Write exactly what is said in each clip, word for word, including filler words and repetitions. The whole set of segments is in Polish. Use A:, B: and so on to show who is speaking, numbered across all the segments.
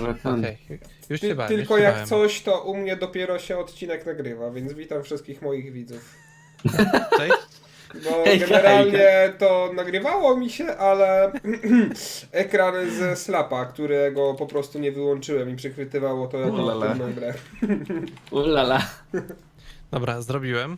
A: Dobra, ten.
B: Okej, już
C: Ty,
B: się bałem,
C: tylko
B: już się
C: jak
B: bałem.
C: coś, to u mnie dopiero się odcinek nagrywa, więc witam wszystkich moich widzów.
B: Cześć.
C: Bo
A: Hejka,
C: generalnie to nagrywało mi się, ale ekran ze Slapa, którego po prostu nie wyłączyłem i przechwytywało to jako
A: Ulala.
C: aktywną grę.
A: Ulala.
B: Dobra, zrobiłem.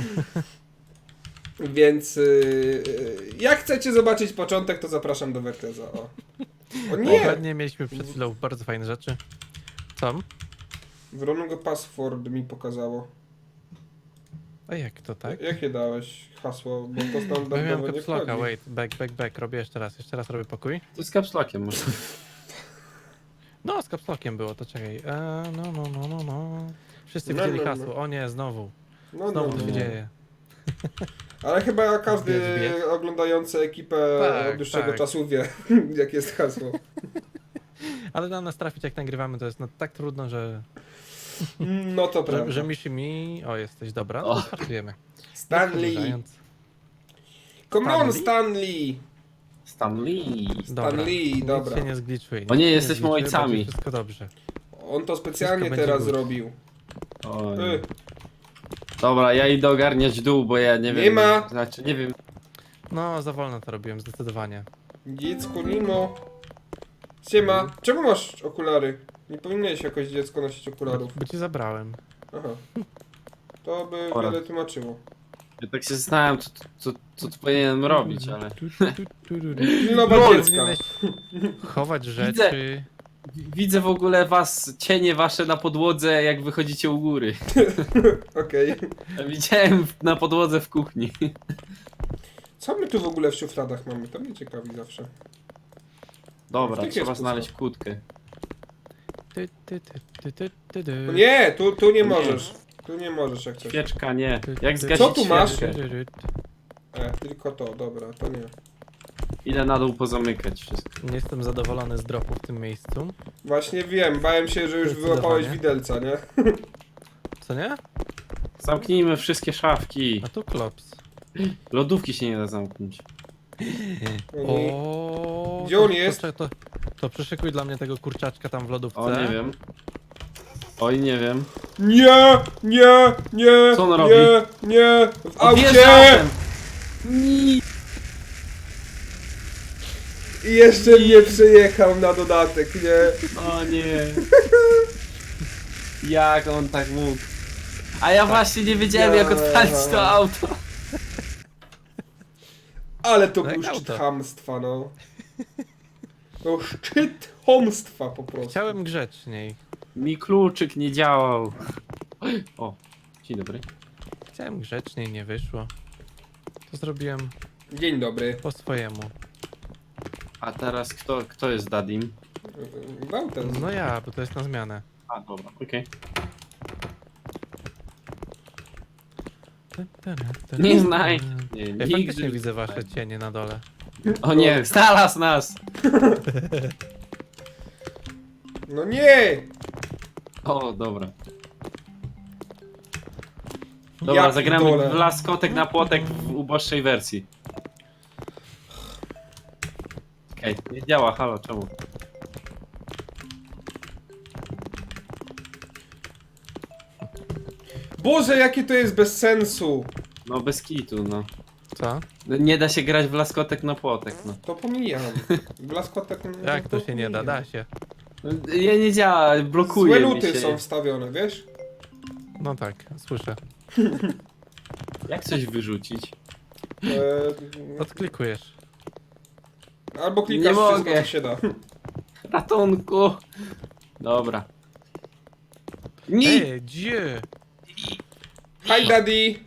C: Więc yy, jak chcecie zobaczyć początek, to zapraszam do Werteza. O, o nie!
B: Dokładnie mieliśmy przed chwilą bardzo fajne rzeczy. Co?
C: Wrong password mi pokazało.
B: A jak to tak?
C: Jakie dałeś hasło? Bo to
B: Bo ja miałem
C: standardowo nie
B: caps locka,
C: wchodzi.
B: wait, back, back, back, robię jeszcze raz, jeszcze raz robię pokój.
A: To z kapslokiem może.
B: No, z caps lockiem było, to czekaj. E, no, no, no, no, no. Wszyscy
C: No,
B: widzieli
C: no, no.
B: hasło, o nie, znowu.
C: No, no,
B: Znowu to
C: no.
B: się dzieje.
C: Ale chyba każdy
B: Zbierz, zbierz.
C: oglądający ekipę
B: Tak,
C: od dłuższego
B: tak.
C: czasu wie, jakie jest hasło.
B: Ale na nas trafić jak nagrywamy to jest no, tak trudno, że,
C: No to
B: że,
C: prawda.
B: że miszy mi... O, jesteś dobra, no
A: O.
B: to startujemy.
C: Stanley!
B: Przedłużając.
C: Come on,
B: Stanley?
C: Stanley!
A: Stanley.
B: Dobra,
C: Stanley,
B: nic
C: dobra.
B: się nie zgliczuje. nic
A: O nie,
B: się
A: jesteśmy
B: zgliczuje,
A: ojcami.
B: będzie wszystko dobrze.
C: On to specjalnie
B: Wszystko będzie
C: teraz
B: good.
C: zrobił.
A: Oj.
C: Y,
A: Dobra, ja idę ogarniać dół, bo ja nie wiem.
C: Nie ma.
A: Znaczy, nie wiem.
B: No, za wolno to robiłem, zdecydowanie.
C: dziecko Nimo. Siema, czemu masz okulary? Nie powinieneś jakoś dziecko nosić okularów.
B: Bo ci zabrałem.
C: Aha. To by
A: Pora.
C: wiele tłumaczyło.
A: Ja tak się zastanawiam, co, co, co tu powinienem robić, ale.
B: Tu, tu, tu, tu, tu.
C: Pilnować
A: Lol.
C: dziecka.
B: Powinieneś chować
A: Widzę.
B: rzeczy.
A: Widzę w ogóle was, cienie wasze na podłodze, jak wychodzicie u góry.
C: Okej.
A: Widziałem w- na podłodze w kuchni.
C: Co my tu w ogóle w szufladach mamy? To mnie ciekawi zawsze.
A: Dobra,
C: Jakie
A: trzeba
C: jest
A: znaleźć kłódkę.
B: Ty, ty, ty, ty, ty, ty, ty.
C: O nie, tu, tu nie
A: Nie.
C: możesz. Tu nie możesz jak coś.
A: Świeczka nie.
B: Ty,
A: Jak
B: ty,
A: zgasić
C: Co tu masz?
A: świeczkę?
B: Ty, ty, ty.
C: E, tylko to, dobra, to nie.
A: Idę na dół pozamykać wszystko.
B: Nie jestem zadowolony z dropu w tym miejscu.
C: Właśnie wiem, bałem się, że już
B: Zdecydowanie.
C: wyłapałeś widelca, nie?
B: Co nie?
A: Zamknijmy wszystkie szafki.
B: A tu klops.
A: Lodówki się nie da zamknąć.
C: Oni...
B: O,
C: Gdzie
B: to-
C: on
B: to-
C: jest?
B: To, to, to przyszykuj dla mnie tego kurczaczka tam w lodówce.
A: O, nie wiem. Oj, nie wiem.
C: Nie, nie, nie,
A: Co on
C: nie,
A: robi?
C: nie, w aucie!
A: Odjeżdżałem! Ni-
C: I jeszcze mnie przejechał na dodatek, nie?
A: O nie. Jak on tak mógł? A ja właśnie nie wiedziałem, jak odpalić to auto.
C: Ale to
B: No
C: był
B: jak
C: szczyt
B: auto.
C: chamstwa, no. To szczyt chamstwa po prostu.
B: Chciałem grzeczniej.
A: Mi kluczyk nie działał. O, dzień dobry.
B: Chciałem grzeczniej, nie wyszło. To zrobiłem
C: Dzień dobry.
B: po swojemu.
A: A teraz kto, kto jest Dadim?
C: Bałten.
B: No ja, bo to jest na zmianę.
A: A, dobra, okej. Nie znaj. Nie,
B: Ja
A: nigdy.
B: faktycznie widzę wasze cienie na dole.
A: O nie, znalazł nas!
C: No nie!
A: O, dobra. Dobra,
C: Ja
A: zagramy
C: pitole.
A: w laskotek na płotek w uboższej wersji. Okej, nie działa, halo, czemu?
C: Boże, jakie to jest bez sensu!
A: No bez kitu, no.
B: Co?
A: Nie da się grać w laskotek na płotek, no.
C: To pomijam. Blaskotek... no
B: Jak to się nie da?
C: pomijam.
B: Da się.
A: Ja nie działa, blokuje
C: Złe
A: mi
C: luty
A: się.
C: są wstawione, wiesz?
B: No tak, słyszę.
A: Jak coś wyrzucić?
C: E,
B: Odklikujesz.
C: albo
A: Nie
C: klikasz wszystko,
A: mogę.
C: co się da.
A: Ratunku! Dobra. Nie!
B: Ej, gdzie?
C: Hi daddy!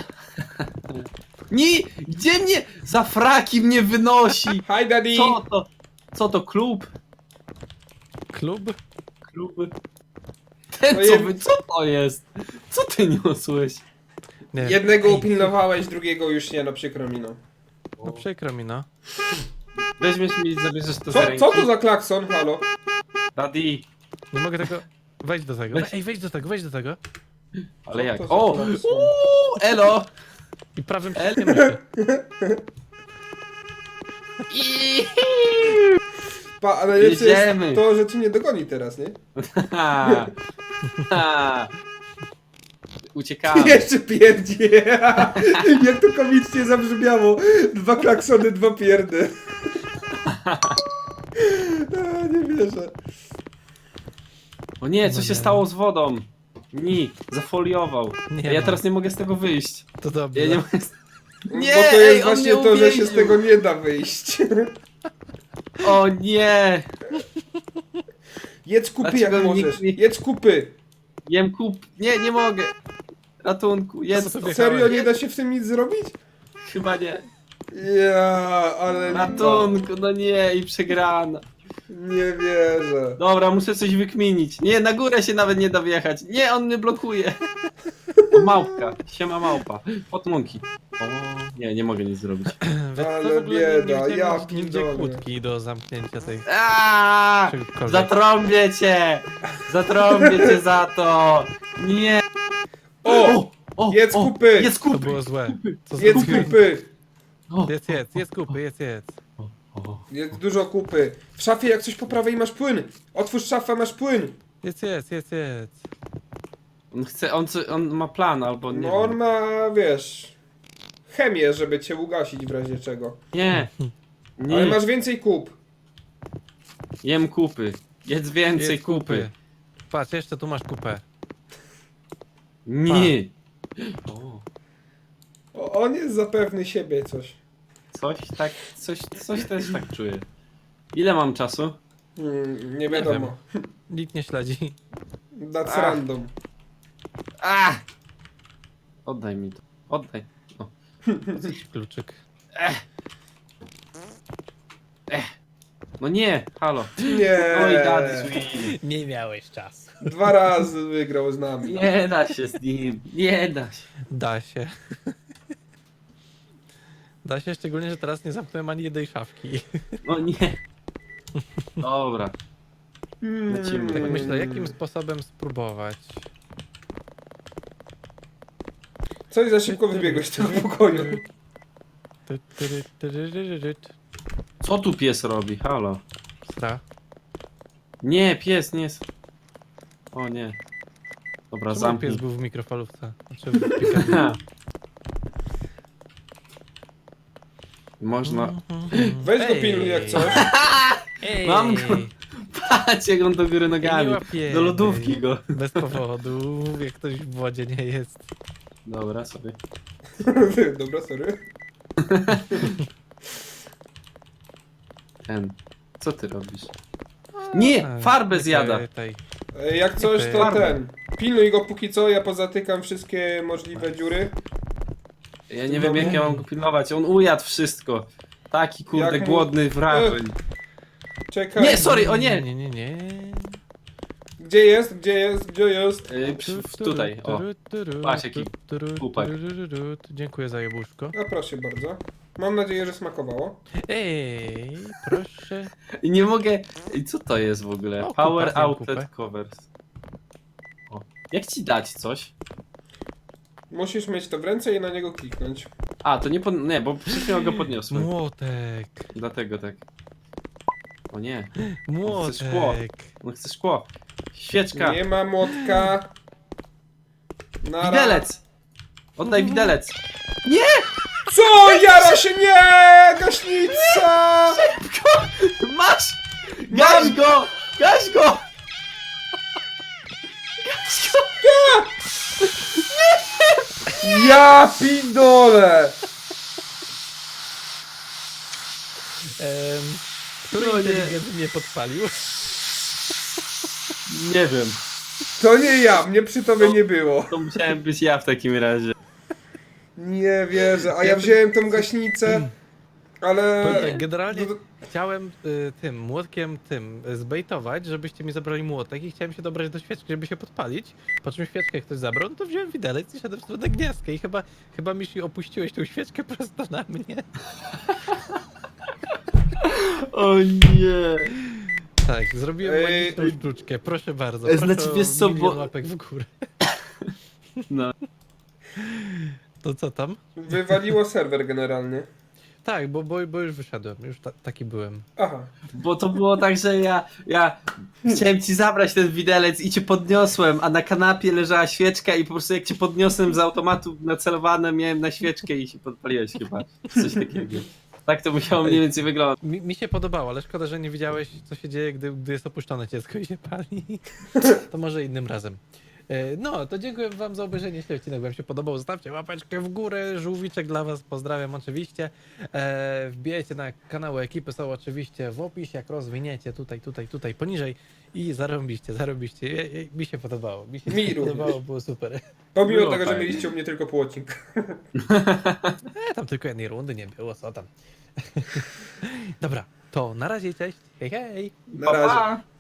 A: Nie! Gdzie mnie? Za fraki mnie wynosi!
C: Hi daddy!
A: Co to? Co to, klub?
B: Klub?
A: Klub? Ten
C: No
A: co,
C: jem-
A: wy, co to jest? Co ty niosłeś?
B: Nie.
C: Jednego
B: Ej,
C: upilnowałeś, drugiego już nie, no przykro mi no.
B: No przykro mi, no.
A: Weźmiesz mi i zabierzesz to za
C: Co,
A: ręki.
C: co to za klakson, halo?
A: Daddy!
B: Nie mogę tego... Wejdź do tego.
A: Weź.
B: Ej, wejdź do tego, wejdź do tego.
A: Ale
C: Co
A: jak?
C: to za
A: O!
C: klakson?
A: Uuu, elo!
B: I prawym przyciskiem myszy.
A: I...
C: Pa, a najlepsze
A: Jedziemy.
C: jest to, że ci nie dogoni teraz, nie?
A: Ha, ha. Uciekamy.
C: Jeszcze pierdzi. Jak to komicznie zabrzmiało. Dwa klaksony, dwa pierdy. A, nie wierzę.
A: O nie, co
B: No
A: się
B: nie.
A: stało z wodą? Ni, zafoliował.
B: Nie
A: ja
B: ma.
A: teraz nie mogę z tego wyjść.
B: To dobrze.
A: Ja nie mogę z... Nie,
C: Bo to
A: ej,
C: jest
A: on
C: właśnie
A: mnie
C: to, że się z
A: uwięził.
C: tego nie da wyjść.
A: O nie!
C: Jedz kupy
A: Dlaczego
C: jak
A: nikt
C: możesz.
A: nie-
C: Jedz kupy.
A: Jem kup... Nie, nie mogę. Ratunku, jedz
B: Co
A: to.
B: sobie-
C: Serio nie da się w tym nic zrobić?
A: Chyba nie.
C: Ja, ale lipa.
A: Ratunku, no nie, i przegrana.
C: Nie wierzę.
A: Dobra, muszę coś wykminić. Nie, na górę się nawet nie da wjechać. Nie, on mnie blokuje. O, małpka, siema małpa. Potmunki. O, nie, nie mogę nic zrobić.
B: Wiesz co,
C: Ale
B: w ogóle
C: bieda,
B: nie, nie
C: ja
B: widziałem nigdzie
C: pitole.
B: kłódki do zamknięcia tej
A: Aaaa!
B: czegokolwiek.
A: Zatrąbię cię! Zatrąbię cię za to! Nie!
C: O!
A: O!
C: Jedz
A: o,
C: kupy!
A: Jedz
B: To
A: kupy!
B: było złe. Co za
C: Jedz
B: kupy?
C: kupy!
A: O,
B: Jedz, jedz, jedz kupy, jedz, jedz.
A: o, o.
C: Jedz dużo kupy. W szafie jak coś po prawej masz płyn. Otwórz szafę, masz płyn.
B: Jedz, jedz, jedz, jedz.
A: On chce, on, co- on ma plan albo nie.
C: No on
A: wiem.
C: ma, wiesz, chemię, żeby cię ugasić w razie czego.
A: Nie! Nie!
C: Ale masz więcej kup.
A: Jem kupy. Jedz więcej
B: Jedz
A: kupy.
B: Patrz, jeszcze tu masz kupę.
A: Nie! O,
C: O, on jest zapewny siebie coś.
A: coś tak, coś, coś też tak czuję. Ile mam czasu?
C: Hmm, nie wiadomo.
B: Nikt nie śledzi.
C: That's
A: Ach.
C: random.
A: A! Oddaj mi to. Oddaj. O.
B: Kluczyk.
A: No nie! Halo.
C: Nie.
A: Oj, daddy sweet.
B: Nie miałeś czasu.
C: Dwa razy wygrał z nami.
A: Nie da się z nim. Nie da się.
B: Da się. Da się, szczególnie, że teraz nie zamknąłem ani jednej szafki.
A: No nie. Dobra. Lecimy.
B: Tak myślę, jakim sposobem spróbować.
C: Coś za szybko wybiegłeś z tego pokoju.
B: Ty, ty, ty, ty, ty, ty, ty, ty.
A: Co tu pies robi? Halo.
B: Sra.
A: Nie, pies nie jest. O nie. Dobra,
B: Czemu
A: zamknij.
B: pies był w mikrofalówce? Znaczy w piekarni?
A: Ha. Można.
C: Weź go
B: Ej.
C: pilnuj jak coś.
B: Ej.
A: Mam go. Patrz jak on do góry
B: Ej,
A: nogami.
B: nie łapiemy.
A: Do lodówki go.
B: Bez powodu, jak ktoś w wodzie nie jest.
A: Dobra, sobie.
C: Dobra, sorry.
A: Ten. Co ty robisz? Nie!
B: A,
A: Farbę
B: nie
A: zjada.
B: pytaj.
C: E, Jak coś to
A: Farbę.
C: ten. Pilnuj go póki co, ja pozatykam wszystkie możliwe dziury.
A: Ja nie wiem jak ja mam go pilnować. On ujadł wszystko. Taki kurde
C: Jak mu-
A: głodny wrażeń.
C: Czekaj.
A: Nie, sorry, o nie!
B: Nie, nie, nie.
C: Gdzie jest? Gdzie jest? Gdzie jest?
A: Yy, przy, w- tutaj, o. Patrz, jaki chłopak.
B: Dziękuję za jabłuszko.
C: A proszę bardzo. Mam nadzieję, że smakowało.
B: Ej, proszę.
A: I nie mogę... I co to jest w ogóle?
B: O,
A: Power
B: kupa, zjem
A: Outlet
B: kupę.
A: Covers. O. Jak ci dać coś?
C: Musisz mieć to w ręce i na niego kliknąć.
A: A, to nie pod... Nie, bo przed chwilą go podniosłem.
B: Młotek.
A: Dlatego tak. O nie. szkło.
B: Młotek.
A: On chce szkło. Świeczka.
C: Nie ma młotka. Nara.
A: Widelec! Oddaj widelec.
C: Co? Jara się nie! Gaśnica!
A: Masz! Gaś
C: Mam!
A: go! Gaś go!
C: Ja pidole!
B: Em, który
A: No nie.
B: inteligent mnie podpalił?
A: Nie wiem.
C: To nie ja, mnie przy tobie nie było.
A: To musiałem być ja w takim razie.
C: Nie wierzę, a ja wziąłem tą gaśnicę, ale...
B: Powiem tak, generalnie
C: No to-
B: chciałem y, tym młotkiem tym y, zbejtować, żebyście mi zabrali młotek i chciałem się dobrać do świeczki, żeby się podpalić. Po czym świeczkę ktoś zabrał, no to wziąłem widelec i szedłem w stronę gniazdka i chyba, chyba mi się opuściłeś tą świeczkę prosto na mnie.
A: O nie.
B: Tak, zrobiłem
C: Ej,
B: magiczną sztuczkę, proszę bardzo.
A: E,
B: Proszę
A: znaczy,
B: o
A: wiesz co,
B: milion
A: bo-
B: łapek w górę.
A: No.
B: To co tam?
C: Wywaliło serwer generalnie.
B: Tak, bo, bo, bo już wyszedłem, już ta, taki byłem.
C: Aha.
A: Bo to było tak, że ja, ja chciałem ci zabrać ten widelec i cię podniosłem, a na kanapie leżała świeczka i po prostu jak cię podniosłem z automatu nacelowane miałem na świeczkę i się podpaliłeś chyba. Coś takiego. Tak to musiało mniej więcej wyglądać.
B: Mi, mi się podobało, ale szkoda, że nie widziałeś, co się dzieje, gdy, gdy jest opuszczone dziecko i się pali. To może innym razem. E, No, to dziękuję wam za obejrzenie. Jeśli odcinek wam się podobał, zostawcie łapeczkę w górę. Żółwiczek dla was, pozdrawiam oczywiście. E, wbijajcie na kanały ekipy, są oczywiście w opisie, jak rozwiniecie tutaj, tutaj, tutaj, poniżej. I zarobiście, zarobiście. E, e, Mi się podobało, mi się
C: Mi
B: podobało,
C: również.
B: było super.
C: Pomimo
A: Było
C: tego, że
A: fajnie.
C: mieliście u mnie tylko pół odcinka.
B: E, tam tylko jednej rundy nie było, co tam. Dobra, to na razie, cześć, hej hej.
C: Na
A: Pa,
C: razie.
A: pa.